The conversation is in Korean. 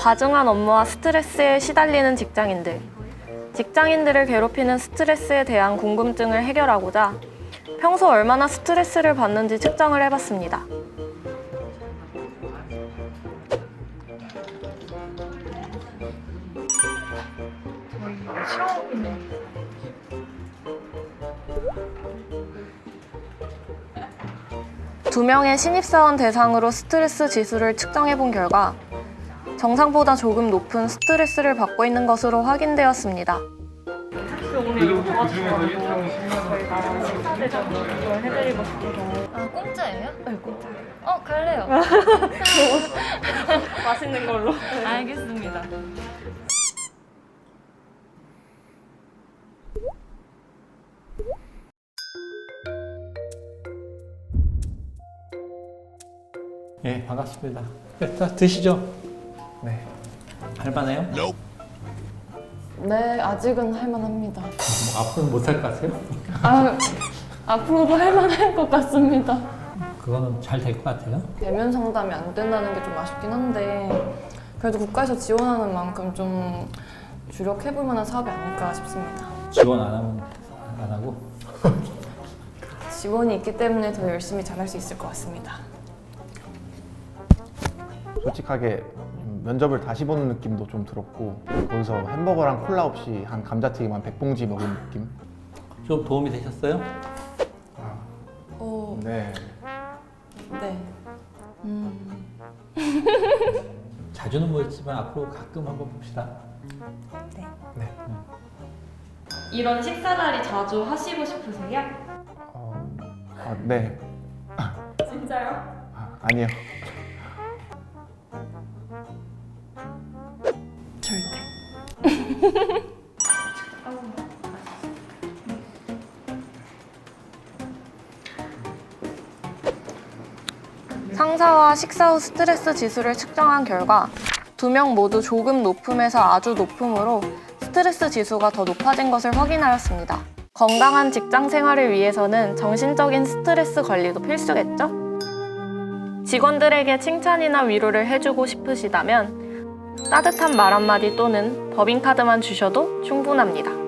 과중한 업무와 스트레스에 시달리는 직장인들. 직장인들을 괴롭히는 스트레스에 대한 궁금증을 해결하고자 평소 얼마나 스트레스를 받는지 측정을 해봤습니다. 두 명의 신입사원 대상으로 스트레스 지수를 측정해본 결과 정상보다 조금 높은 스트레스를 받고 있는 것으로 확인되었습니다. 오늘 이거 도와주셔가지고 저희가 식사 대접 이걸 해드리고 싶어서. 아, 공짜예요? 네, 공짜. 갈래요. 맛있는 걸로. 알겠습니다. 예, 반갑습니다. 자, 드시죠. 네. 할만해요? 네, 아직은 할만합니다. 뭐 앞으로는 못할 것 같아요? 앞으로도 할만할 것 같습니다. 그거는 잘 될 것 같아요. 대면 상담이 안 된다는 게 좀 아쉽긴 한데 그래도 국가에서 지원하는 만큼 좀 주력해볼 만한 사업이 아닐까 싶습니다. 지원 안 하면 안 하고. 지원이 있기 때문에 더 열심히 잘할 수 있을 것 같습니다. 솔직하게 면접을 다시 보는 느낌도 좀 들었고 거기서 햄버거랑 콜라 없이 한 감자튀김 한 100봉지 먹은 느낌? 좀 도움이 되셨어요? 네. 네. 자주는 못했지만 앞으로 가끔 한번 봅시다. 이런 식사 자리 자주 하시고 싶으세요? 네. 진짜요? 아니요. 절대. 상사와 식사 후 스트레스 지수를 측정한 결과 두 명 모두 조금 높음에서 아주 높음으로 스트레스 지수가 더 높아진 것을 확인하였습니다. 건강한 직장 생활을 위해서는 정신적인 스트레스 관리도 필수겠죠? 직원들에게 칭찬이나 위로를 해주고 싶으시다면 따뜻한 말 한마디 또는 법인카드만 주셔도 충분합니다.